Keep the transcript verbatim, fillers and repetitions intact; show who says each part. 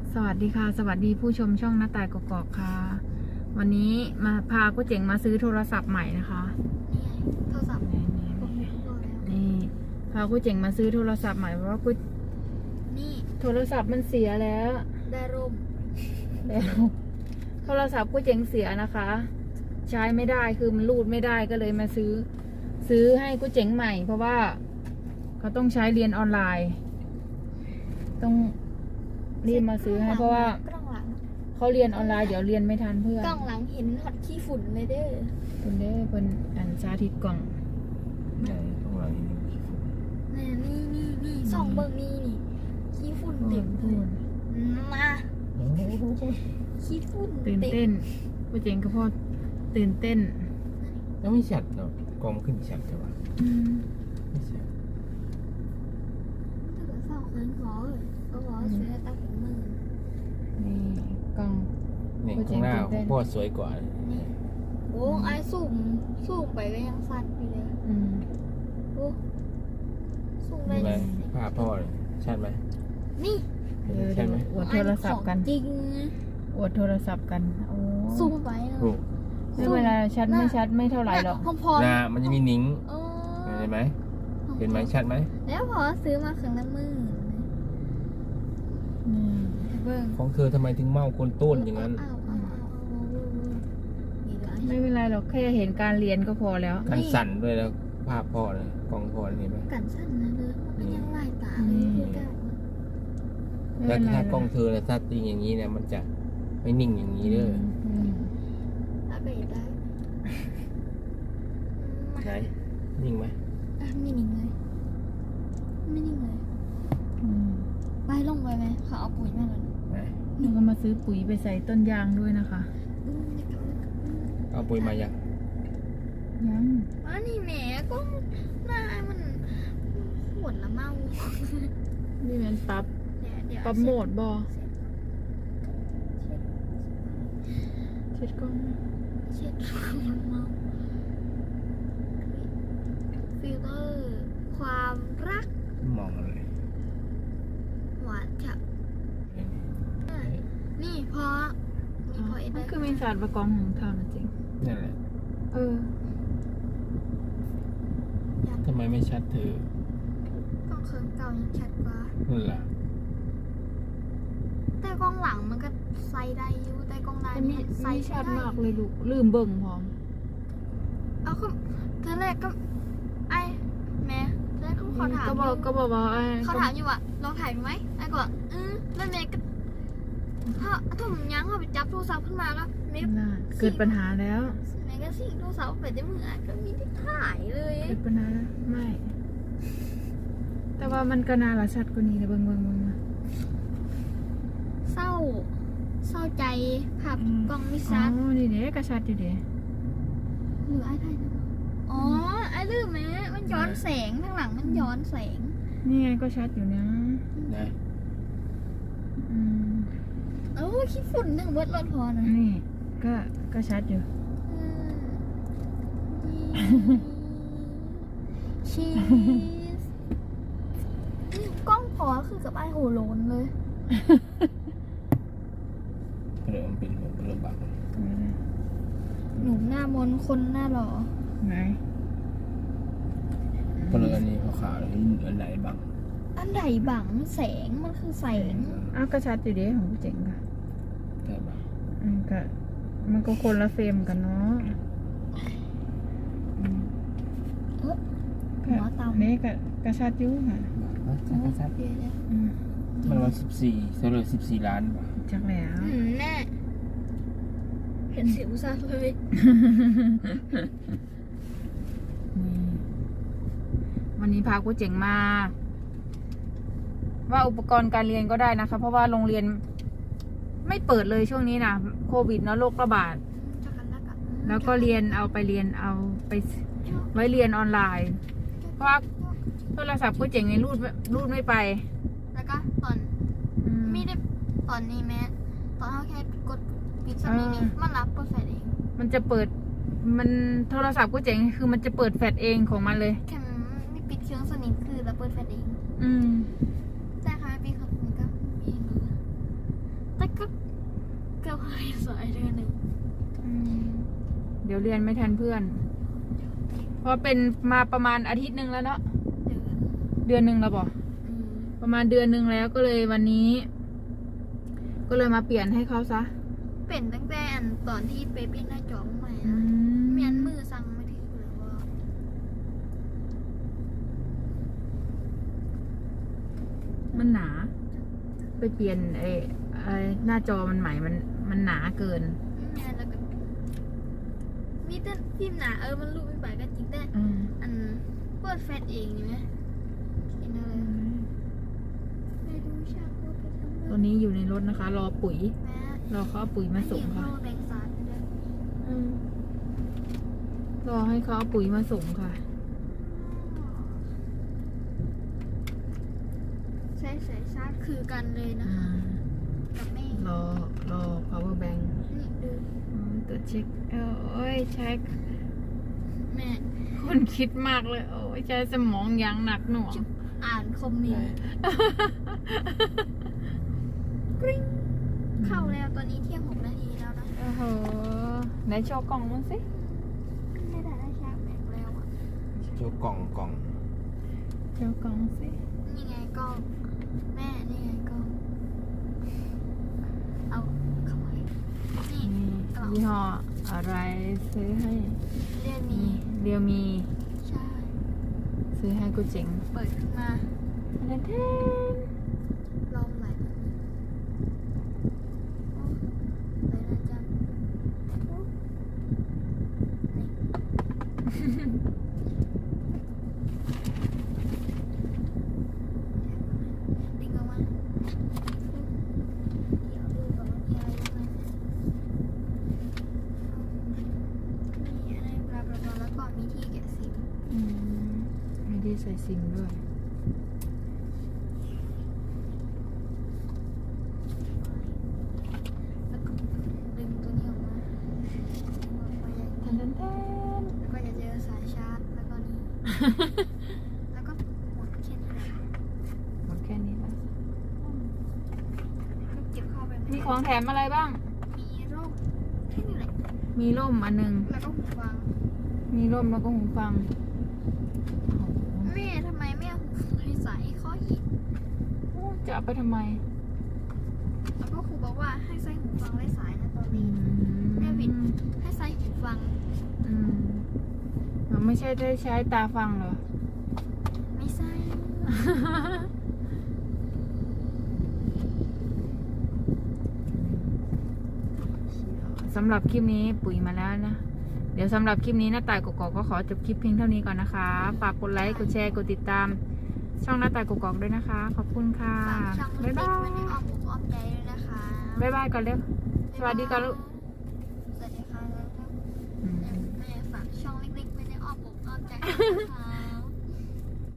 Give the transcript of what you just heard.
Speaker 1: สวัสดีค่ะสวัสดีผู้ชมช่องหน้าต่ายกอกๆค่ะวันนี้มาพากุ้เจ๋งมาซื้อโทรศัพท์ใหม่นะคะ
Speaker 2: นี่ไงโทรศัพท์
Speaker 1: นี่นี่
Speaker 2: ผม
Speaker 1: นี่
Speaker 2: รู้แล้ว
Speaker 1: นี่พากุ้เจ๋งมาซื้อโทรศัพท์ใหม่เพราะว่ากุ้
Speaker 2: นี่
Speaker 1: โทรศัพท์มันเสียแล้ว
Speaker 2: ได้ร่ม
Speaker 1: แล้วโทรศัพท์กุ้เจ๋งเสียนะคะ ใช้ไม่ได้คือมันรูดไม่ได้ก็เลยมาซื้อ ซื้อให้กุ้เจ๋งใหม่ เพราะว่าเขาต้องใช้เรียนออนไลน์ ต้องรีบมาซื้อให้เพราะว่าก
Speaker 2: ล้องหลัง
Speaker 1: เขาเรียนออนไลน์เดี๋ยวเรียนไม่ทันเพื่อน
Speaker 2: กล้องหลังเห็นหอดขี้ฝุ่นเลยเด้อ
Speaker 1: เป็นเด้เป็นอันสาธิตกล่อง
Speaker 3: ไหนข้างหลังนี่มีฝุ่น
Speaker 2: นี่นี่นี่นี่สองเบิ่งนี่นี่ขี้ฝุ่นเต็มเล
Speaker 1: พู
Speaker 2: ย
Speaker 1: ด
Speaker 2: มา
Speaker 3: โอ้โห
Speaker 2: ขี้ฝุ่น
Speaker 1: ตื่น
Speaker 2: เต็
Speaker 1: เต้
Speaker 2: ม
Speaker 1: นผู้เจงก็พอตื่นเต้น
Speaker 3: แล้วไม่ชัดเนาะกล้องขึ้นชัดแต่ว่าไม่ชัด
Speaker 2: ถ้าเกิดเศร้าเคินขอเลยก็บอกว่าซื้อตั้งเป็นหมื่น
Speaker 1: นี่กล่อง
Speaker 3: เนี่ยข้างหน้าของพ่อสวยกว่า
Speaker 2: นี่โอ้ไอ้สุ่มสุ่มไปก็ยังสั่นอยู่เลย
Speaker 1: อืม
Speaker 2: โอ้สุ่มได้
Speaker 3: นี่ไหม
Speaker 2: ยังไง
Speaker 3: ภาพพ่อเลยชัดไหม
Speaker 2: นี่
Speaker 1: เดี๋ยว
Speaker 3: ใช่ไหม
Speaker 1: อวดโทรศัพท์กัน
Speaker 2: จริง
Speaker 1: อวดโทรศัพท์กันโอ้
Speaker 2: ซูมไปนะ
Speaker 3: ถูก
Speaker 1: ไม่เวลาชัดไม่ชัดไม่เท่าไหร่หรอก
Speaker 2: พร้อม
Speaker 3: หน้ามันจะมีนิ้ง
Speaker 2: ๆเออ
Speaker 3: เห็นไหมเห็นไหมชัดไหม
Speaker 2: แล้วพอซื้อมาครั้งละหมื่น
Speaker 1: นี่
Speaker 2: เบิ่ง
Speaker 3: ของเธอทำไมถึงเมาคนต้นอย่างนั้น
Speaker 2: เอาเอาเอาเอา
Speaker 1: ไม่เป็นไรหรอกแค่เห็นการเรียนก็พอแล้ว
Speaker 3: การสั่นด้วยแล้วภาพพ่อเลยกล้องพ่อเห็นไหม
Speaker 2: กันสั้นนะเลยมันยังลายตาเลยคือกัน
Speaker 1: ไม่
Speaker 3: แล้ว
Speaker 1: เป็นไร
Speaker 3: ถ้า
Speaker 1: หร
Speaker 3: กล้องเธอเนี่ยถ้าตีอย่างนี้เนี่ยมันจะไม่นิ่งอย่างนี้เด้อ
Speaker 1: อืม
Speaker 2: เอาไปได้
Speaker 3: ไหนนิ่งไหม
Speaker 2: อ่ะไม่นิ่งเลยไม่นิ่งเลย
Speaker 1: อืม
Speaker 2: ไปลงไปไหมเขาเอาปุ๋ยมาเลย
Speaker 3: ไหน
Speaker 1: หนูก็มาซื้อปุ๋ยไปใส่ต้นยางด้วยนะคะ
Speaker 3: เอาปุ๋ยมายัง
Speaker 1: ยัง
Speaker 2: ว่านี่แหมก็หน้ามันปวดละเมา
Speaker 1: นี่มันปรับ
Speaker 2: เดี๋ยวเดี๋ยว
Speaker 1: ปรับโหมดบอ
Speaker 2: เช็ด
Speaker 1: เช็ดกล้อง
Speaker 2: เช็ดมันเมาฟิลเตอร์ความรัก
Speaker 3: มองอะไร
Speaker 2: หวานค่ะนี่พอนี่พอเอ็ด
Speaker 1: มั
Speaker 2: ได้
Speaker 1: นคือมีศาสตร์ประกอบของเธอนะจริง
Speaker 3: นั่นแหละ
Speaker 1: เออ
Speaker 3: ทำไมไม่ชัดเธอ
Speaker 2: กล้องเคิร์มเก่ายังชัดกว่า
Speaker 3: นั่นแหละ
Speaker 2: แต่กล้องหลังมันก็ไซส์ได้อยู่แต่กล้องหน้า
Speaker 1: แต่มี
Speaker 2: นี่ไซ
Speaker 1: มี
Speaker 2: ส์
Speaker 1: ชัด
Speaker 2: ไได้
Speaker 1: มากเลยลูกลืมเบิ่งพร้อม
Speaker 2: เอาคือเธอแรกก็ไอ้แม่เธอแรกก็ขอถาม
Speaker 1: ก็
Speaker 2: อบ
Speaker 1: อก
Speaker 2: ยู่
Speaker 1: ก็บอกว่าไอ้
Speaker 2: เขาถามอยู่ว่าลองถ่ายดูไหมไอ้ก็บอกอืมแล้วแม่ก็ถ้าถ้าผมยั้งเขาไปจับโทรศัพท์ขึ้นมาแล้วแม่
Speaker 1: น่าเกิดปัญหาแล้ว
Speaker 2: แม่ก็สิ่งโทรศัพท์ไปได้มืออ่ะก็มีที่ถ่ายเลย
Speaker 1: เกิดปัญหาแล้วไม่ แต่ว่ามันก็น่าละชัดกว่านี้นะเบิ่งเบิ่งเบิ่งนะ
Speaker 2: เศร้า เศร้าใจภาพกล้องไม่
Speaker 1: อ๋
Speaker 2: ชัด
Speaker 1: อนี่เด้ก็ชัดอยู่เด้
Speaker 2: หรือไอ้ถ่ายได้ปะอ๋อไอ้ลืมไหมมันย้อนแสงข้างหลังมันย้อนแสง
Speaker 1: นี่ไงก็ชัดอยู่นะ
Speaker 3: นะ
Speaker 1: อืม
Speaker 2: เอ้าขี้ฝุ่นหนึ่งเบิร์ดรถพอนะ
Speaker 1: นี่ก็ก็ชัดอยู่
Speaker 2: ชีสกล้องพอคือกับไอโหโลนเลย
Speaker 3: เริ่มเป็นเริ่มบัก
Speaker 2: หนุ่มหน้ามนคนหน้าหล่อ
Speaker 1: ไหน
Speaker 3: เพราะอันนี้ขาวๆเลยอันไหนบัง
Speaker 2: อันใดบังแสงมันคือแสง
Speaker 1: อ้าวก็ชัดอยู่เด้ของผู้เจ๋งค่ะ
Speaker 3: แต่บัง
Speaker 1: อืมก็มันก็คนละเฟรมกันเนาะอืม
Speaker 2: เอ้อ
Speaker 1: ก็
Speaker 2: หัวเตา
Speaker 1: นี่ก็ก็ชัดอยู่ค่ะ
Speaker 3: ชัดชัด
Speaker 2: เดี๋ยวเดี๋ยว
Speaker 1: อืม
Speaker 3: มันวันสิบสี่เท่าไรสิบสี่ล้านบาท
Speaker 1: จักแล้ว
Speaker 2: อืมแน่เห็นสิวซะเลย
Speaker 1: นี่วันนี้พากูเจ๋งมา ว่าอุปกรณ์การเรียนก็ได้นะคะ เพราะว่าโรงเรียนไม่เปิดเลยช่วงนี้นะโควิดเนาะโรคระบาด
Speaker 2: จะกันแล้วกัน
Speaker 1: แล้วก็เรียนเอาไปเรียนเอาไปไว้เรียนออนไลน์ เพราะว่าโทรศัพท์กูเจ๋งในรูดรูดไม่ไป
Speaker 2: แล้วก็ตอน
Speaker 1: อืม
Speaker 2: ไม่ได้ตอนนี้แม้ตอนเขาแค่กดปิดสวิตช์นี้มันรับเปิดไฟเอง
Speaker 1: มันจะเปิด มันโทรศัพท์กูเจ๋งคือมันจะเปิดแฟลชเองของมันเลย
Speaker 2: แค่ไม่ปิดเครื่องสนิทคือแล้วเปิดไฟเอง
Speaker 1: อืม
Speaker 2: แต่ค่ะปิดเครื่องสนิทก็มีเองเลยให้สายเดือนหนึ่ง
Speaker 1: อืมเดี๋ยวเรียนไม่ทันเพื่อน เพราะเป็นมาประมาณอาทิตย์หนึ่งแล้วเนาะ
Speaker 2: เดือน
Speaker 1: เดือนหนึ่งแล้วบ่
Speaker 2: อืม
Speaker 1: ประมาณเดือนหนึ่งแล้วก็เลยวันนี้ ก็เลยมาเปลี่ยนให้เขาซะ
Speaker 2: เป็นตั้งแต่อันตอนที่ไปเปลี่ยนหน้าจอใหม่
Speaker 1: อื
Speaker 2: นะ
Speaker 1: ม
Speaker 2: เมียนมือสั่งไม่ถึงเลยว่า
Speaker 1: มันหนา ไปเปลี่ยนไอ้ไอ้หน้าจอมันใหม่มันมันหนาเกิน
Speaker 2: เมียนแล้วก็มีแต่พิมพ์หนาเออมันรูปไม่ไปก็จริงแต่
Speaker 1: อืม
Speaker 2: อันเปิดแฟลชเองนี่ไหมเห็นอะไรไม่รู้ชาพูดไปทำ
Speaker 1: ตอนนี้อยู่ในรถนะคะ รอปุ๋ย
Speaker 2: แม่
Speaker 1: รอเขาเอาปุ๋ยมาส่งค่ะ
Speaker 2: เห็นพ่อแบงค์ซาร์ด้วย
Speaker 1: อืมรอให้เขาเอาปุ๋ยมาส่งค่ะ
Speaker 2: ใช้สายชาร์จคือกันเลยนะ
Speaker 1: อ่า
Speaker 2: คะกับแม่
Speaker 1: รอรอ power bank
Speaker 2: นี่ดู
Speaker 1: อืมตรวจเช็คเอ้ยเช็ค
Speaker 2: แม่
Speaker 1: คนคิดมากเลย โอ้ยใช้สมองอย่างหนักหน่วง
Speaker 2: อ่านคอมเมนต์กริ๊งเข้าแล้วตอนนี้เที่ยงหกนาทีแล้วนะ
Speaker 1: โอ้โหไหนโชว์กล่องมันสิ
Speaker 2: ไม่ได้ได้ชาร์จแบตแล้วอ่ะ
Speaker 3: โชว์กล่องกล่อง
Speaker 1: โชว์กล่องสิ
Speaker 2: นี่ไงกล้องแม่นี่ไงกล้องเอาเข้าไปนี่
Speaker 1: นี่ยี่ห้ออะไรซื้อให้
Speaker 2: เรียนมี
Speaker 1: เรียวมี
Speaker 2: ใช่
Speaker 1: ซื้อให้กูเจ๋ง
Speaker 2: เปิดขึ้นมา
Speaker 1: เล่นเทน
Speaker 2: ลองไหลแบบนี้โอ้ไหลนะจ๊ะโอ้นี่ดึงออกมาเดี๋ยวดูก่อนว่ามีอะไรอยู่ข้างในมีอะไรบลาบลาบลาแล้วก็มีที่แกะซิม
Speaker 1: อืมไม่ได้ใส่ซิมด้วย
Speaker 2: แล้วก็ดึงตัวนี้ออกมาแล้วก็ยัง
Speaker 1: เทนเทนเทน
Speaker 2: แล้วก็จะเจอสายชาร์จ แล้วก็นี่ แล้วก็หมดแค่นี้แหละ
Speaker 1: หมดแค่นี้แล้ว
Speaker 2: ก็เก็บเข้าไป
Speaker 1: มีของแถมอะไรบ้าง
Speaker 2: มีร่มแค่นี้แหละ
Speaker 1: มีร่มอันหนึง
Speaker 2: แล้วก็หูฟัง
Speaker 1: มีร่มแล้วก็หูฟัง
Speaker 2: แม่ทำไมไม่เอาหูฟังให้ใส่ข้ออีก
Speaker 1: โอ้จะเอาไปทำไม
Speaker 2: แล้วก็ครูบอกว่าให้ใส่หูฟังไร้สายนะตอน
Speaker 1: อื
Speaker 2: นี้
Speaker 1: ม
Speaker 2: แม่วิน ให้ใส่หูฟัง
Speaker 1: อืมมันไม่ใช่ได้ใช้ตาฟังเหรอ
Speaker 2: ไม่ใส่
Speaker 1: สำหรับคลิปนี้ปุ๋ยมาแล้วนะ เดี๋ยวสำหรับคลิปนี้หน้าต่ายกกอกก็ขอจบคลิปเพียงเท่านี้ก่อนนะคะ ฝากกดไลค์ กดแชร์ กดติดตาม ช่องหน้าต่ายกกอกด้วยนะคะ ขอบคุณค่ะ
Speaker 2: ฝากช่อง
Speaker 1: บ๊าย
Speaker 2: เล็
Speaker 1: บาก
Speaker 2: ๆไว้ใน
Speaker 1: ย
Speaker 2: อ้อมอกอ้อมใจด้วยนะคะ
Speaker 1: บ๊ายบายก่อนเร็ว สวัสดีก่อนลูก
Speaker 2: สวัสดีค่ะแล้วก็
Speaker 1: อืม
Speaker 2: แม่ฝากช่องเล็กๆไว้ในอ้อมอกอ้อมใจด้วยนะคะ